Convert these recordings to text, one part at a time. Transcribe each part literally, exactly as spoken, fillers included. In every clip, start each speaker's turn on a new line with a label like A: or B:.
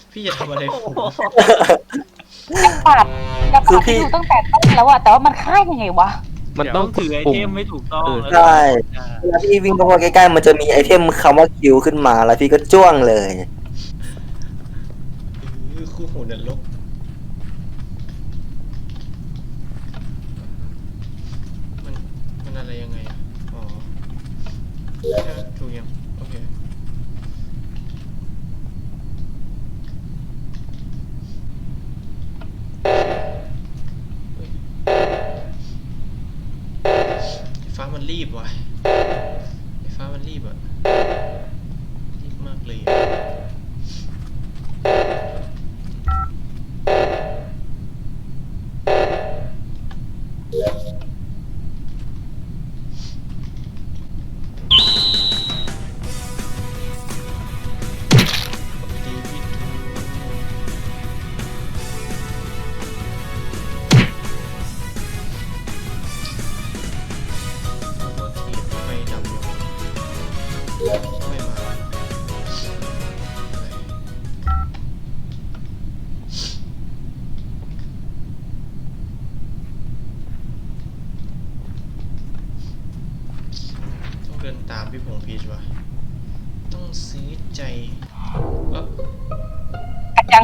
A: พี่จะทำอะไรผม
B: ปาดจะปาดที่ดูตั้งแต่ต้นแล้วอะแต่ว่ามันฆ่ายังไงวะ
C: มันต้อง
D: ถือไอเทมไม่ถูกต้อง
E: ใช่เวลาพี่วิ่งเข้าไปใกล้ๆมันจะมีไอเทมคำว่าคิวขึ้นมาแล้วพี่ก็จ้วงเลย
A: คู่หูนรกมันมันอะไรยังไงอ่ะอ๋อใช่ถูกยังโอเคไฟฟ้ามันรีบว่ะไฟฟ้ามันรีบอ่ะรีบมากเลยอะดีพี่แล้วก็เทียบไฟดับอยู่ไม่มาต้องเดินตามพี่พงษ์พีชว่ะต้องซื้อใจเออ
B: กันจัง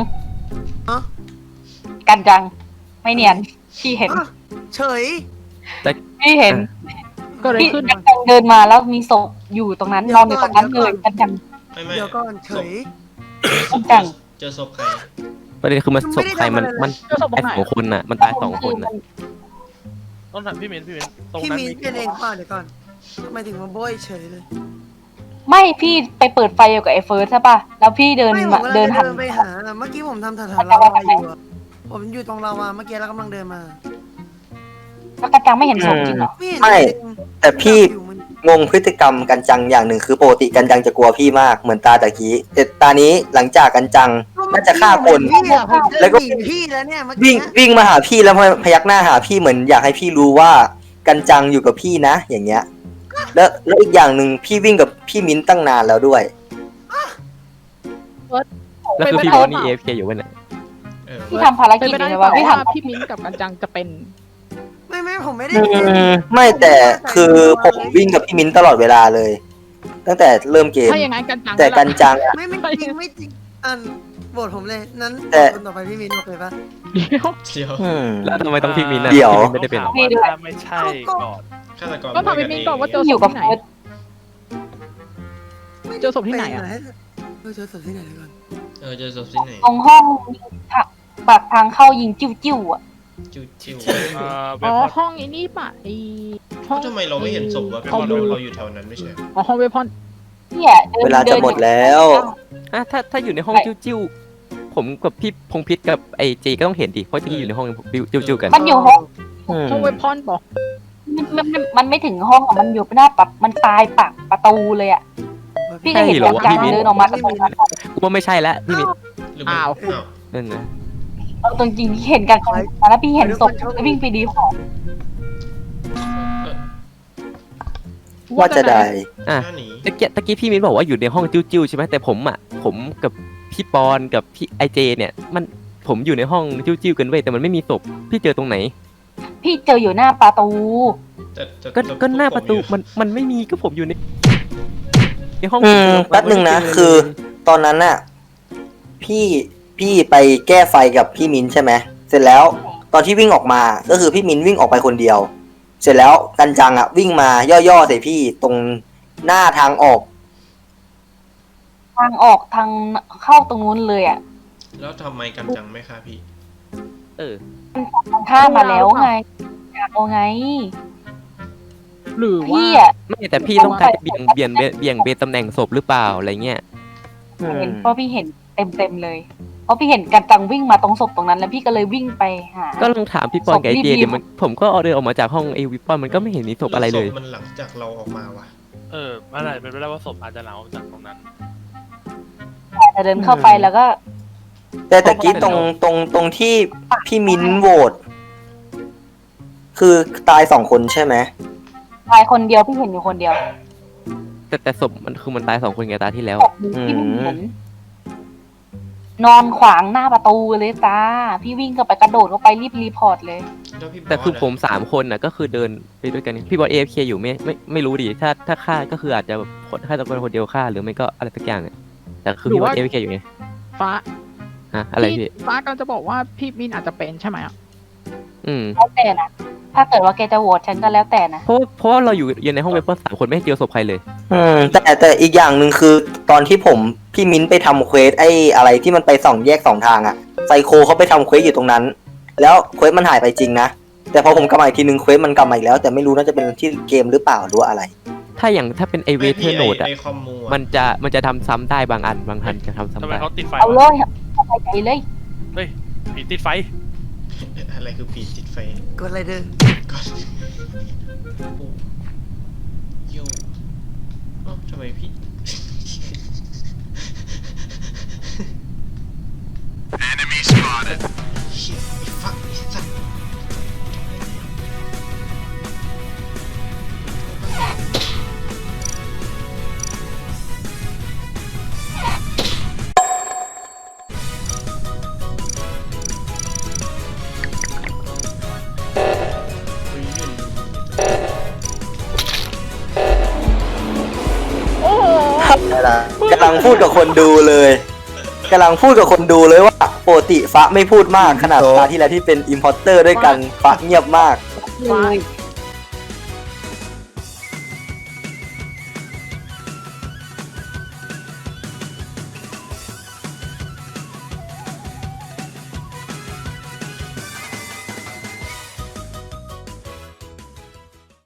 B: กันจัง ไม่เนียนพี่เห็น
F: เฉย
B: พี่เห็น
G: ก็เลย
B: พี่
G: ขึ้น
B: กันจังเดินมาแล้วมีศพอยู่ตรงนั้นนอนอยู่ตรงนั้นเลยกันจัง
A: ไม่ไม่
F: เดี๋ยวก่อนเฉย
B: กันจัง
A: เจอศพใคร
C: ประเด็นคือมันศพใครมันมัน
G: เจ้าศพตร
C: ตาย
G: งไหน
C: สองคนน่ะมันตายสองคนน่ะ
D: ต้องถามพี่เมนพี่เมนตรง
F: พี่
D: นั้น
F: มี
D: มี
F: เป็นเองป่ะเดี๋ยวก่อนทำไมถึงมาโบยเฉยเลย
B: ไม่พี่ไปเปิดไฟอยู่กับไอ้เฟิร์สใช่ป่ะแล้วพี่เดิน
F: ไม่ผม
B: มา
F: กำลัง
B: เดิน
F: จะ
B: หัน
F: เดินไปหาเมื่อกี้ผมทำแถวๆลาวาอยู่อะผมอยู่ตรงลาวาเมื่อกี้แล้วกำลังเดินมา
B: แล้วกันจังไม่เห็นศพจริงเหรอ
F: ไม่เห็น
E: ไม่
F: จริง
E: แต่พี่
F: อยู่มัน
E: งงพฤติกรรมกันจังอย่างหนึ่งคือปกติกันจังจะกลัวพี่มากเหมือนตาตะกี้แต่ตานี้หลังจากกันจังน่าจะฆ่าคน
F: พี่อะผมเจอ
E: แล้วก็
F: หนีพี่แล้วเนี่ยเมื่อ
E: วิ่
F: กี้
E: งวิ่งมาหาพี่แล้วพยักหน้าหาพี่เหมือนอยากให้พี่รู้ว่ากันจังอยู่กับพี่นะ อย่างเงี้ย แล้วแล้วอีกอย่างหนึ่งพี่วิ่งกับพี่มิ้นตั้งนานแล้วด้วย
C: แล้วคือพี่บอกว่านี่เอฟเคอยู่วันไหน
A: เออ
B: พี่ทำภาร
G: เป็น
B: กิจ
G: ไป
B: อ
G: ได้
B: ยู่
G: เป
B: ใช่
G: ล่า
B: ป่ะพี่
G: ว่า
B: ทำ
G: พี่มิ้นกับกันจังจะเป็น
F: ไม่ไม่ผมไม่ได้
E: อื
F: เป็น
E: มไม่แต่คือผมวิ่งกับพี่มิ้นตลอดเวลาเลย ตั้งแต่เริ่มเกม
G: ถ้าอย่างนั้นกันจัง
E: แต่กันจังอะ
F: ไม่ไม่จริงไม่จริงอันโหวตผมเลยนั้น
E: แต่
F: คนต่อไปพี่มินโอเคปะ
G: เดี๋ยว
A: เดี๋ยว
E: อืม
C: แล้วทำไมต้องพี่มินน่ะ
E: เดี๋ยว
C: พี่มินไม่ได้เป็นหรอ
D: ว่าถ้าไม่ใช่ก่อน
A: ฆาตกร
G: ก็ถามพี่มิ้นก่อนว่าเจอ
B: อยู่กับเฟิร์ส
G: เจอศพที่ไหนอะ
F: เออเจอศพที่ไหนก่อน
A: เออเจอศพที่ไหน
B: ตรงห้องปากทางเข้ายิงจิ้วจิ้วๆอ่ะ
A: จิวจิว
D: เอ่อเว
G: อ๋อ
D: พอน
G: ห้องไอ้นี่ป่ะไอ้ห้อง
A: ทำไมเราไม่เห็นศพวะเพ
G: ห้อง
A: ราะ
G: ดู
A: เราเราอยู่แถวนั้นไม่ใช่
G: อ๋อห้องเวพอน
B: เนี่ยดิน
E: เวลาจะหมดแล้ว
C: อ่ะถ้าถ้าอยู่ในห้องจิ้วๆผมกับพี่พงพิษกับไอจีก็ต้องเห็นดิเพราะที่อยู่ในห้องจิ้วๆกัน
B: มันอยู่ห้อง
E: อืม
G: ห้องเวพอนป่ะ
B: มันมันมันไม่ถึงห้องอ่ะมันอยู่หน้าปับมันตายปากประตูเลยอ่ะพี่ก็เห็นกันจังเดินออกมาจากตรงนั้น
C: กูว่าไม่ใช่แล้วพี่มิน
A: หรือมันอ้าว
C: นั่นนะ
B: เอาตรงจริงที่เห็นกันแล้วพี่เห็นศพแล้ววิ่งไปดีของ
A: เออ
E: ว่าจะได้
C: อ่ะ
A: หน้าหนี
C: ตะกี้ตะกี้พี่มินบอกว่าอยู่ในห้องจิ้วๆใช่ไหมแต่ผมอ่ะผมกับพี่ปอนกับพี่ไอเจเนี่ยมันผมอยู่ในห้องจิ้วๆกันเว้ยแต่มันไม่มีศพพี่เจอตรงไหน
B: พี่เจออยู่หน้าประตู
A: แต่แต่
C: ก็
A: แต่
C: ก็หน้าประตู
A: ผมอยู่
C: มันมันไม่มีก็ผมอยู่ในในห้อง
E: อืมแป๊บหนึ่งนะคือ ตอนนั้นน่ะ พี่พี่ไปแก้ไฟกับพี่มิ้นใช่ไหมเสร็จแล้ว ตอนที่วิ่งออกมาก็คือพี่มิ้นวิ่งออกไปคนเดียว เสร็จแล้วกันจังอ่ะ วิ่งมาย่อๆใส่พี่ตรงหน้าทางออก
B: ทางออกทางเข้าตรงนู้นเลยอ่ะ
A: แล้วทำไมกันจังไม่ฆ่าพี่
C: เออ
B: ทางข้ามมาแล้วไงอยากเอาไง
G: หรือว่า
B: พี่อ่ะ
C: ไม่แต่พี่ต้องการจะเบี่ยงเบี่ยงเบี่ยงเบี่ยงเบนตำแหน่งศพหรือเปล่าอะไรเงี้ย
B: เห็นเพราะพี่เห็นเต็มเต็มๆเลย เพราะพี่เห็นกันจังวิ่งมาตรงศพตรงนั้นแล้วพี่ก็เลยวิ่งไปหา
C: ก็ลองถามพี่ปอนกับไอเจ
B: ศพรีบๆ
C: เดี๋ยวมันผมก็เอาเดินออกมาจากห้องไอวิปปอนมันก็ไม่เห็นมีศพอะไรเลย
A: ศพมันหลังจากเราออกมาว่ะ
D: เออมันอาจจะเป็นไปได้ว่าศพอาจจะหลังออกจากตรงนั้น
B: แต่เดินเข้าไปแล้วก็
E: แต่ตะกี้ตรงตรงตรงที่พี่มิ้นโหวตคือตายสองคนใช่ไหม
B: ชายคนเดียวพี่เห็นอยู่คนเดียว
C: แต่แต่ศพมันคือมันตายสองคนไงตาที่แล้ว
B: ศพหนึ่งที่ไม่เห็นนอนขวางหน้าประตูเลยจ้าพี่วิ่งเข้าไปกระโดดเข้าไปรีบรีพอร์ตเลย
A: แล้วพี่บส
C: แต่คือผม
A: ะ
C: สามคนน่ะก็คือเดินไปด้วยกันพี่บอลเอฟเคอยู่ไม่ไม่ไม่รู้ดิถ้าถ้าฆ่าก็คืออาจจะแบบคนฆ่าตะคนคนเดียวฆ่าหรือไม่ก็อะไรสักอย่างอะแต่คือพี่บอลเอฟเคอยู่ไง
G: ฟ้า
C: ฮะอะไรพี่
G: ฟ้ากำลังจะบอกว่าพี่มินอาจจะเป็นใช่ไหมอ่ะ
C: อืม
B: แล้วแต่นะถ้าเกิดว่าแกจะโหวตฉันก็แล้วแต่นะ
C: เพราะเพราะว่าเราอยู่อยู่ในห้องเวเปอร์สามคนไม่เจอศพใครเลย
E: อืมแต่แต่อีกอย่างหนึ่งคือตอนที่ผมพี่มิ้นไปทำเควสไอ้อะไรที่มันไปสองแยกสองทางอะไซโคเขาไปทำเควสอยู่ตรงนั้น แล้วเควสมันหายไปจริงนะแต่พอผมกลับมาอีกทีนึงเควสมันกลับมาอีกแล้ว แต่ไม่รู้น่าจะเป็นที่เกมหรือเปล่าหรือว่าอะไร
C: ถ้าอย่างถ้าเป็นไอเวเทอร์โนดอะ
A: ไอคอมมูอะ
C: มันจะมันจะทำซ้ำได้บางอันบางอันจะทำ
D: ทำ
C: ซ้ำ
D: ไม
C: ได้
D: เขาติดไฟ
B: เอาเล
D: วะ
B: ยเข้าไปใจเลย
D: เฮ้ยผีติดไฟ
A: อะไรคือผีติดไฟ
F: กดอะไรเด้อ
A: ก่อนโอ้โยเอ้าทำไมพี่ Enemy spotted เชี่ยไอ้ฟักไอ้สัตว์เฮ้ยเล่น
G: โอ้โห
E: กำลังพูดกับคนดูเลยกำลังพูดกับคนดูเลยว่าปกติฟ้าไม่พูดมากขนาดตาที่แล้วที่เป็นอิมพอร์เตอร์ด้วยกันฟ้าเงียบมาก
B: เลย